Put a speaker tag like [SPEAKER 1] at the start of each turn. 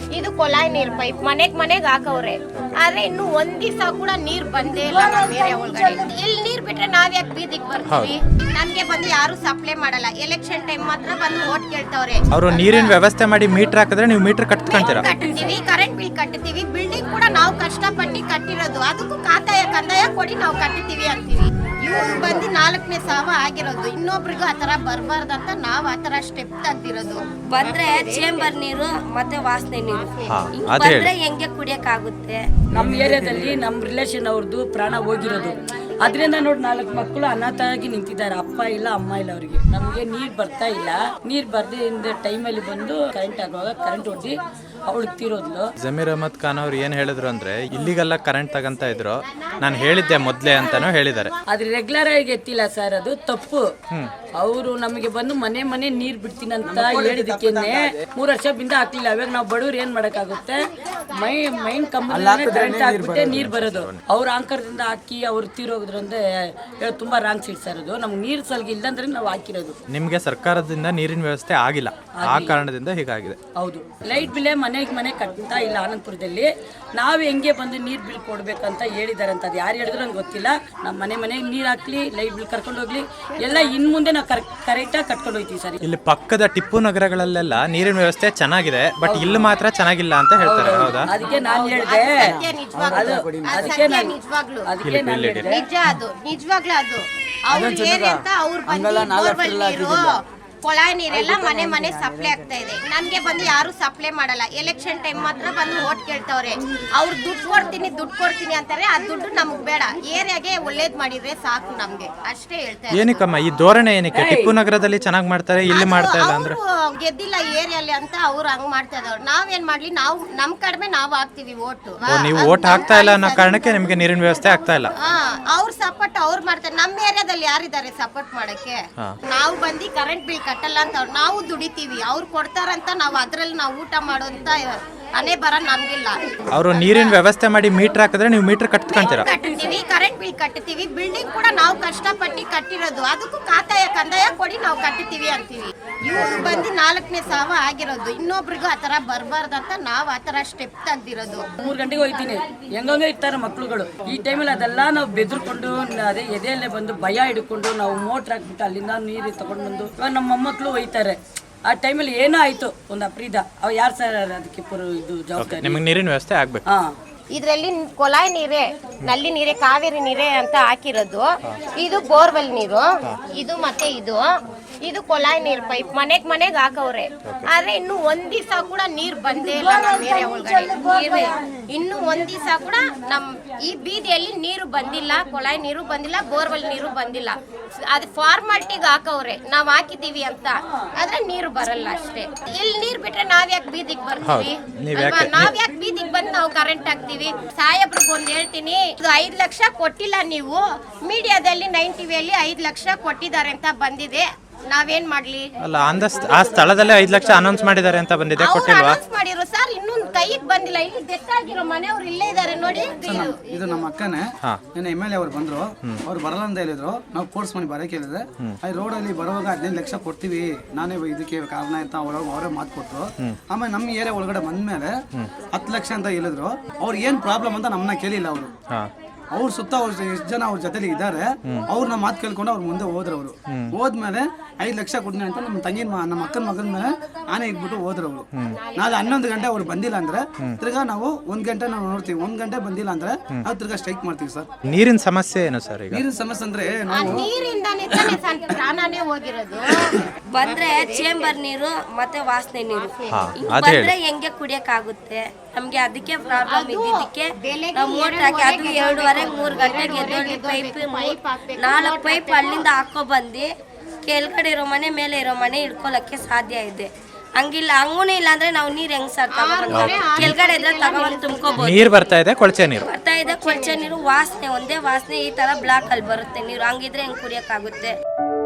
[SPEAKER 1] ಇದು ಕೊಳಾಯಿ ನೀರ್ ಪೈಪ್ ಮನೆಗ್ ಹಾಕವ್ರೆ. ಆದ್ರೆ ಇನ್ನು ಒಂದ್ ದಿವಸ ಕೂಡ ನೀರ್ ಬಂದೇ ಇಲ್ಲ ನಮ್ಮ ಏರಿಯಾ ಒಳಗಡೆ. ಇಲ್ಲಿ ನೀರ್ ಬಿಟ್ರೆ ನಾವ್ ಯಾಕೆ ಬೀದಿಗೆ ಬರ್ತೀವಿ? ನಮ್ಗೆ ಬಂದು ಯಾರು ಸಪ್ಲೈ ಮಾಡಲ್ಲ. ಎಲೆಕ್ಷನ್ ಟೈಮ್ ಮಾತ್ರ ಬಂದು ವೋಟ್ ಕೇಳ್ತವ್ರೆ.
[SPEAKER 2] ಅವರು ನೀರಿನ ವ್ಯವಸ್ಥೆ ಮಾಡಿ ಮೀಟರ್ ಹಾಕಿದ್ರೆ ನೀವು ಮೀಟರ್ ಕಟ್ಕೊಂತೀರಾ?
[SPEAKER 1] ಕಟ್ತೀವಿ, ಕರೆಂಟ್ ಬಿಲ್ ಕಟ್ತೀವಿ. ಬಿಲ್ಡಿಂಗ್ ಕೂಡ ನಾವು ಕಷ್ಟಪಟ್ಟು ಕಟ್ಟಿರೋದು, ಅದಕ್ಕೂ ಕಂದಾಯ ಕೊಡಿ ನಾವು ಕಟ್ತೀವಿ ಅಂತೀವಿ. ಇವ್ರು ಬಂದು 4ನೇ ಸಾವ ಆಗಿರೋದು. ಇನ್ನೊಬ್ರಿಗೂ ಆತರ ಬರ್ಬಾರ್ದಂತ ನಾವ್ ಆತರ ಸ್ಟೆಪ್ ತೆಗ್ದಿರೋದು.
[SPEAKER 3] ಬಂದ್ರೆ ಚೇಂಬರ್ ನೀರು ಮತ್ತೆ ವಾಸನೆ ನೀರು ಬಂದ್ರೆ ಹೆಂಗೆ ಕುಡಿಯಕ್ ಆಗುತ್ತೆ?
[SPEAKER 4] ನಮ್ಮ ಏರಿಯಾದಲ್ಲಿ ನಮ್ಮ ರಿಲೇಷನ್ ಅವ್ರದ್ದು ಪ್ರಾಣ ಹೋಗಿರೋದು. ಅದರಿಂದ ನೋಡಿ 4 ಮಕ್ಕಳು ಅನಾಥರಾಗಿ ನಿಂತಿದ್ದಾರೆ. ಅಪ್ಪ ಇಲ್ಲ, ಅಮ್ಮ ಇಲ್ಲ ಅವರಿಗೆ. ನಮಗೆ ನೀರು ಬರ್ತಾ ಇಲ್ಲ. ನೀರು ಬರ್ದೇ ಟೈಮಲ್ಲಿ ಬಂದು ಕರೆಂಟ್ ಆಗುವಾಗ ಕರೆಂಟ್ ಹೊಡೆದು ಅವಳು ತೀರೋದ್ಲು.
[SPEAKER 2] ಜಮೀರ್ ಅಹಮದ್ ಖಾನ್ ಅವ್ರು ಏನ್ ಹೇಳಿದ್ರು ಅಂದ್ರೆ ಇಲ್ಲಿಗೆಲ್ಲ ಕರೆಂಟ್ ತಗಂತ ಇದ್ರು, ನಾನು ಹೇಳಿದ್ದೆ ಮೊದ್ಲೇ ಅಂತಾನು ಹೇಳಿದ್ದಾರೆ.
[SPEAKER 4] ಆದ್ರೆ ರೆಗ್ಯುಲರ್ ಆಗಿ ಎತ್ತಿಲ್ಲ ಸರ್, ಅದು ತಪ್ಪು. ಅವರು ನಮಗೆ ಬಂದು ಮನೆ ನೀರ್ ಬಿಡ್ತೀನಿ ಅಂತ ಹೇಳಿದಕ್ಕೆ 3 ವರ್ಷ ಬಿಂದ ಹಾಕ್ಲಿಲ್ಲ. ಅವಾಗ ನಾವು ಬಡವ್ರು ಏನ್ ಮಾಡಕ್ಕಾಗುತ್ತೆ? ಮೈನ್ ಕಂಬದಲ್ಲಿ ಕರೆಂಟ್ ಹಾಕ್ಬಿಟ್ಟೆ ನೀರ್ ಬರೋದು. ಅವ್ರ ಆಂಕರದಿಂದ ಹಾಕಿ ಅವ್ರು ತೀರೋದ್ರಂದ್ರೆ ತುಂಬಾ ರಾಂಗ್ ಸೈಡ್ ಸರ್. ಅದು ನಮ್ಗೆ ನೀರ್ ಸಲ್ಗಿ ಇಲ್ಲಂದ್ರೆ ನಾವು ಹಾಕಿರೋದು.
[SPEAKER 2] ನಿಮ್ಗೆ ಸರ್ಕಾರದಿಂದ ನೀರಿನ ವ್ಯವಸ್ಥೆ ಆಗಿಲ್ಲ, ಆ ಕಾರಣದಿಂದ ಹೀಗಾಗಿದೆ.
[SPEAKER 4] ಹೌದು, ಲೈಟ್ ಬಿಲ್ ಮನೆ ಕಟ್ತಾ ಇಲ್ಲ ಆನಂದಪುರದಲ್ಲಿ. ನಾವು ಹೆಂಗೆ ಬಂದು ನೀರ್ ಬಿಲ್ ಕೊಡ್ಬೇಕಂತ ಹೇಳಿದಾರೆ ಅಂತ. ಅದು ಯಾರು ಹೇಳಿದ್ರು ನಂಗೆ ಗೊತ್ತಿಲ್ಲ. ನಮ್ಮ ಮನೆಗೆ ನೀರ್ ಹಾಕ್ಲಿ, ಲೈಟ್ ಬಿಲ್ ಕರ್ಕೊಂಡು ಹೋಗ್ಲಿ, ಎಲ್ಲ ಇನ್ ಮುಂದೆ ನಾವು ಕರೆಕ್ಟಾಗಿ ಕಟ್ಕೊಂಡು ಹೋಗ್ತೀವಿ ಸರ್.
[SPEAKER 2] ಇಲ್ಲಿ ಪಕ್ಕದ ಟಿಪ್ಪು ನಗರಗಳಲ್ಲೆಲ್ಲ ನೀರಿನ ವ್ಯವಸ್ಥೆ ಚೆನ್ನಾಗಿದೆ, ಬಟ್ ಇಲ್ಲಿ ಮಾತ್ರ ಚೆನ್ನಾಗಿಲ್ಲ ಅಂತ ಹೇಳ್ತಾರೆ. ಹೌದಾ?
[SPEAKER 4] ಅದಕ್ಕೆ ನಾನು ಹೇಳಿದೆ,
[SPEAKER 1] ನಿಜವಾಗ್ಲೂ ಅದು ಅವ್ರು ಏನಂತ ಅವ್ರು ಬಂದು ಕೊಳಾಯಿ ನೀರೆಲ್ಲ ಮನೆ ಸಪ್ಲೈ ಆಗ್ತಾ ಇದೆ. ನನ್ಗೆ ಬಂದು ಯಾರು ಸಪ್ಲೈ ಮಾಡಲ್ಲ. ಎಲೆಕ್ಷನ್ ಟೈಮ್ ಮಾತ್ರ ಬಂದು ವೋಟ್ ಕೇಳ್ತವ್ರೆ. ಅವ್ರು ದುಡ್ಡು ಕೊಡ್ತೀನಿ ಅಂತಾರೆ. ಆ ದುಡ್ಡು ನಮಗ್ ಬೇಡ, ಏರಿಯಾಗೆ ಒಳ್ಳೇದ್ ಮಾಡಿದ್ರೆ ಸಾಕು ನಮ್ಗೆ, ಅಷ್ಟೇ ಹೇಳ್ತಾರೆ.
[SPEAKER 2] ಏನಕ್ಕಮ್ಮ ಈ ಧೋರಣೆ ಏನಕ್ಕೆ? ಟಿಪ್ಪು ನಗರದಲ್ಲಿ ಚೆನ್ನಾಗಿ ಮಾಡ್ತಾರೆ, ಇಲ್ಲಿ ಮಾಡ್ತಾ ಇಲ್ಲ ಅಂದ್ರೆ
[SPEAKER 1] ಗೆದ್ದಿಲ್ಲ ಏರಿಯಲ್ಲಿ ಅಂತ ಅವ್ರು ಹಂಗ್ ಮಾಡ್ತಾ ಇದ್ದವ್ರು. ನಾವೇನ್ ಮಾಡ್ಲಿ? ನಾವು ನಮ್ ಕಡಿಮೆ ನಾವು ಹಾಕ್ತಿವಿ ವೋಟ್.
[SPEAKER 2] ನೀವು ವೋಟ್ ಹಾಕ್ತಾ ಇಲ್ಲ ಅನ್ನೋ ಕಾರಣಕ್ಕೆ ನಿಮ್ಗೆ ನೀರಿನ ವ್ಯವಸ್ಥೆ ಆಗ್ತಾ ಇಲ್ಲ.
[SPEAKER 1] ಅವ್ರ ಸಪೋರ್ಟ್ ಅವ್ರು ಮಾಡ್ತಾರೆ. ನಮ್ಮ ಏರಿಯಾದಲ್ಲಿ ಯಾರಿದ್ದಾರೆ ಸಪೋರ್ಟ್ ಮಾಡಕ್ಕೆ? ನಾವು ಬಂದು ಕರೆಂಟ್ ಬಿಲ್ ಕಟ್ಟಲ್ಲ ಅಂತ ನಾವು ದುಡಿತೀವಿ. ಅವ್ರು ಕೊಡ್ತಾರಂತ ನಾವು ಅದ್ರಲ್ಲಿ ನಾವು ಊಟ ಮಾಡೋಂತ ಅನೇ ಬರ ನಮ್ಗಿಲ್ಲ.
[SPEAKER 2] ಅವರು ನೀರಿನ ವ್ಯವಸ್ಥೆ ಮಾಡಿ ಮೀಟರ್ ಹಾಕಿದ್ರೆ ನೀವು ಮೀಟರ್ ಕಟ್ಕೊಂತೀರಾ?
[SPEAKER 1] ಕಟ್ತೀವಿ, ಕರೆಂಟ್ ಬಿಲ್ ಕಟ್ತೀವಿ. ಬಿಲ್ಡಿಂಗ್ ಕೂಡ ನಾವು ಕಷ್ಟಪಟ್ಟು ಕಟ್ಟಿರೋದು, ಅದಕ್ಕೂ ಕಂದಾಯ ಕೊಡಿ ನಾವು ಕಟ್ತೀವಿ ಅಂತೀವಿ. ಇವ್ರು ಬಂದು 4ನೇ ಸಾವ ಆಗಿರೋದು. ಇನ್ನೊಬ್ರಿಗೂ ಆತರ ಬರ್ಬಾರ್ದಂತ ನಾವ್ ಆತರ ಸ್ಟೆಪ್ ತೆಗ್ದಿರೋದು.
[SPEAKER 4] 3 ಗಂಟೆಗೆ ಹೋಗ್ತೀನಿ, ಹೆಂಗಂಗೆ ಇರ್ತಾರೆ ಮಕ್ಳುಗಳು. ಈ ಟೈಮಲ್ಲಿ ಅದೆಲ್ಲ ನಾವು ಬೆದರ್ಕೊಂಡು ಅದೇ ಎದೆಯಲ್ಲೇ ಬಂದು ಭಯ ಹಿಡ್ಕೊಂಡು ನಾವು ಮೋಟ್ರ್ ಹಾಕ್ಬಿಟ್ಟು ಅಲ್ಲಿಂದ ನೀರು ತಗೊಂಡು ಬಂದು ಇವಾಗ ನಮ್ಮ ಮೊಮ್ಮಕ್ಕಳು ಒಯ್ತಾರೆ. ಆ ಟೈಮಲ್ಲಿ ಏನೋ ಆಯ್ತು ಒಂದು ಅಪ್ರೀದ, ಅವ್ ಯಾರು ಸರ್ ಅದಕ್ಕೆ ಇದು ಜವಾಬ್ದಾರಿ?
[SPEAKER 2] ನಿಮಗೆ ನೀರಿನ ವ್ಯವಸ್ಥೆ ಆಗ್ಬೇಕು.
[SPEAKER 1] ಇದ್ರಲ್ಲಿ ಕೊಳಾಯಿ ನೀರೇ, ನಲ್ಲಿ ನೀರೇ, ಕಾವೇರಿ ನೀರೇ ಅಂತ ಹಾಕಿರೋದು. ಇದು ಬೋರ್ವೆಲ್ ನೀರು, ಇದು ಮತ್ತೆ ಇದು ಕೊಳಾಯಿ ನೀರ್ ಪೈಪ್ ಮನೆಗ್ ಹಾಕವ್ರೆ. ಆದ್ರೆ ಇನ್ನು ಒಂದ್ ದಿವಸ ಕೂಡ ನೀರ್ ಬಂದೇ ಇಲ್ಲ ನಮ್ಮ ಏರಿಯಾ ಒಳಗಡೆ. ಇನ್ನು ಒಂದ್ ದಿವಸ ಕೂಡ ನಮ್ ಈ ಬೀದಿಯಲ್ಲಿ ನೀರು ಬಂದಿಲ್ಲ, ಕೊಳಾಯಿ ನೀರು ಬಂದಿಲ್ಲ, ಬೋರ್ವೆಲ್ ನೀರು ಬಂದಿಲ್ಲ. ಅದು ಫಾರ್ಮಾಲಿಟಿಗೆ ಹಾಕವ್ರೆ, ನಾವ್ ಹಾಕಿದೀವಿ ಅಂತ, ಆದ್ರೆ ನೀರು ಬರಲ್ಲ ಅಷ್ಟೇ. ಇಲ್ಲಿ ನೀರ್ ಬಿಟ್ರೆ ನಾವ್ ಯಾಕೆ ಬೀದಿಗೆ ಬರ್ತೀವಿ? ನಾವ್ ಯಾಕೆ ಬೀದಿಗೆ ಬಂದು ನಾವು ಕರೆಂಟ್ ಹಾಕ್ತಿವಿ? ಸಾಹೇಬ್ರಿಗೆ ಒಂದ್ ಹೇಳ್ತೀನಿ, ಇದು 5 ಲಕ್ಷ ಕೊಟ್ಟಿಲ್ಲ ನೀವು. ಮೀಡಿಯಾದಲ್ಲಿ 9 ಟಿವಿಯಲ್ಲಿ 5 ಲಕ್ಷ ಕೊಟ್ಟಿದ್ದಾರೆ ಅಂತ ಬಂದಿದೆ. ನಾವೇನ್ ಮಾಡ್ಲಿ?
[SPEAKER 2] ಅಲ್ಲ, ಆ ಸ್ಥಳದಲ್ಲೇ 5 ಲಕ್ಷ ಅನೌನ್ಸ್ ಮಾಡಿದ್ದಾರೆ ಅಂತ ಬಂದಿದೆ, ಕೊಟ್ಟಿಲ್ವಾ?
[SPEAKER 1] ಅನೌನ್ಸ್ ಮಾಡಿರೋ ಸರ್, ಇನ್ನೂ ಕೈಗೆ ಬಂದಿಲ್ಲ. ಇಲ್ಲಿ ಡೆತ್ ಆಗಿರೋ ಮನೆಯವ್ರು ಇಲ್ಲೇ ಇದಾರೆ ನೋಡಿ.
[SPEAKER 5] ಇದು ನಮ್ಮ ಅಕ್ಕನೇ. ನನ್ನ MLA ಅವ್ರು ಬಂದ್ರು, ಅವ್ರು ಬರಲ್ಲ ಅಂತ ಹೇಳಿದ್ರು. ನಾವು ಫೋರ್ಸ್ ಮಾಡಿ ಬರಕ್ಕೆ ಹೇಳಿದ್ರೆ, ರೋಡ್ ಅಲ್ಲಿ ಬರುವಾಗ 15 ಲಕ್ಷ ಕೊಡ್ತೀವಿ, ನಾನೇ ಇದಕ್ಕೆ ಕಾರಣ ಅಂತ ಅವರೇ ಮಾತು ಕೊಟ್ಟರು. ಆಮೇಲೆ ನಮ್ಮ ಏರಿಯಾ ಒಳಗಡೆ ಬಂದ್ಮೇಲೆ 10 ಲಕ್ಷ ಅಂತ ಹೇಳಿದ್ರು. ಅವ್ರು ಏನ್ ಪ್ರಾಬ್ಲಮ್ ಅಂತ ನಮ್ಮನ್ನ ಕೇಳಿಲ್ಲ. ಅವರು ಅವ್ರ ಸುತ್ತ ಅವ್ರ ಎಷ್ಟು ಜನ ಅವ್ರ ಜೊತೆಲಿ ಇದ್ದಾರೆ, ಅವ್ರನ್ನ ಮಾತು ಕೇಳ್ಕೊಂಡು ಅವ್ರ ಮುಂದೆ ಹೋದ್ರು. ಅವರು ಹೋದ್ಮೇಲೆ 5 ಲಕ್ಷ ಕೊಡ್ತೀನಿ ಅಂತ ನಮ್ಮ ತಂಗಿನ ನಮ್ಮ ಅಕ್ಕನ ಮಗನ ಮೇಲೆ ಆನೆ ಇಟ್ಬಿಟ್ಟು ಹೋದ್ರು. ಅವರು ನಾಳೆ 11 ಗಂಟೆ ಅವ್ರು ಬಂದಿಲ್ಲ ಅಂದ್ರೆ ತಿರ್ಗಾ ನಾವು 1 ಗಂಟೆ ನಾವು ನೋಡ್ತೀವಿ. 1 ಗಂಟೆ ಬಂದಿಲ್ಲ ಅಂದ್ರೆ ನಾವು ತಿರ್ಗಾ ಸ್ಟ್ರೈಕ್ ಮಾಡ್ತೀವಿ ಸರ್.
[SPEAKER 2] ನೀರಿನ ಸಮಸ್ಯೆ ಏನು ಸರ್? ಈಗ
[SPEAKER 5] ನೀರಿನ ಸಮಸ್ಯೆ ಅಂದ್ರೆ ನಾವು
[SPEAKER 1] ನೀರಿಂದಾನೇ ಪ್ರಾಣನೇ ಹೋಗಿರೋದು.
[SPEAKER 3] ಬಂದ್ರೆ ಚೇಂಬರ್ ನೀರು ಮತ್ತೆ ವಾಸನೆ ನೀರು ಬಂದ್ರೆ ಹೆಂಗೆ ಕುಡಿಯಕ್ ಆಗುತ್ತೆ? ನಮ್ಗೆ ಅದಕ್ಕೆ ಪ್ರಾಬ್ಲಮ್ ಇದ್ದಿದ್ದಕ್ಕೆ ನಾವು ಮೋಟರ್ ಹಾಕಿ ಅದು 2:30-3 ಗಂಟೆಗೆ ಎದ್ದು ಪೈಪ್ 4 ಪೈಪ್ ಅಲ್ಲಿಂದ ಹಾಕೋ ಬಂದು ಕೆಳಗಡೆ ಇರೋ ಮನೆ ಮೇಲೆ ಇರೋ ಮನೆ ಇಟ್ಕೊಳಕ್ಕೆ ಸಾಧ್ಯ ಇದೆ. ಹಂಗಿಲ್ಲ, ಹಂಗೂ ಇಲ್ಲ ಅಂದ್ರೆ ನಾವು ನೀರ್ ಹೆಂಗ್ ಸರ್ ತಗೊಂಡ್ಬಂದು ಕೆಳಗಡೆ ಇದ್ರೆ ತಗೊಂಡ್ ತುಂಬ್ಕೋಬಹುದು.
[SPEAKER 2] ನೀರ್ ಬರ್ತಾ ಇದೆ, ಕೊಳಚೆ ನೀರು
[SPEAKER 3] ಬರ್ತಾ ಇದೆ, ಕೊಳಚೆ ನೀರು ವಾಸನೆ, ಒಂದೇ ವಾಸನೆ ಈ ತರ ಬ್ಲಾಕ್ ಅಲ್ಲಿ ಬರುತ್ತೆ ನೀರು. ಹಂಗಿದ್ರೆ ಹೆಂಗ್ ಕುಡಿಯಕ್ ಆಗುತ್ತೆ?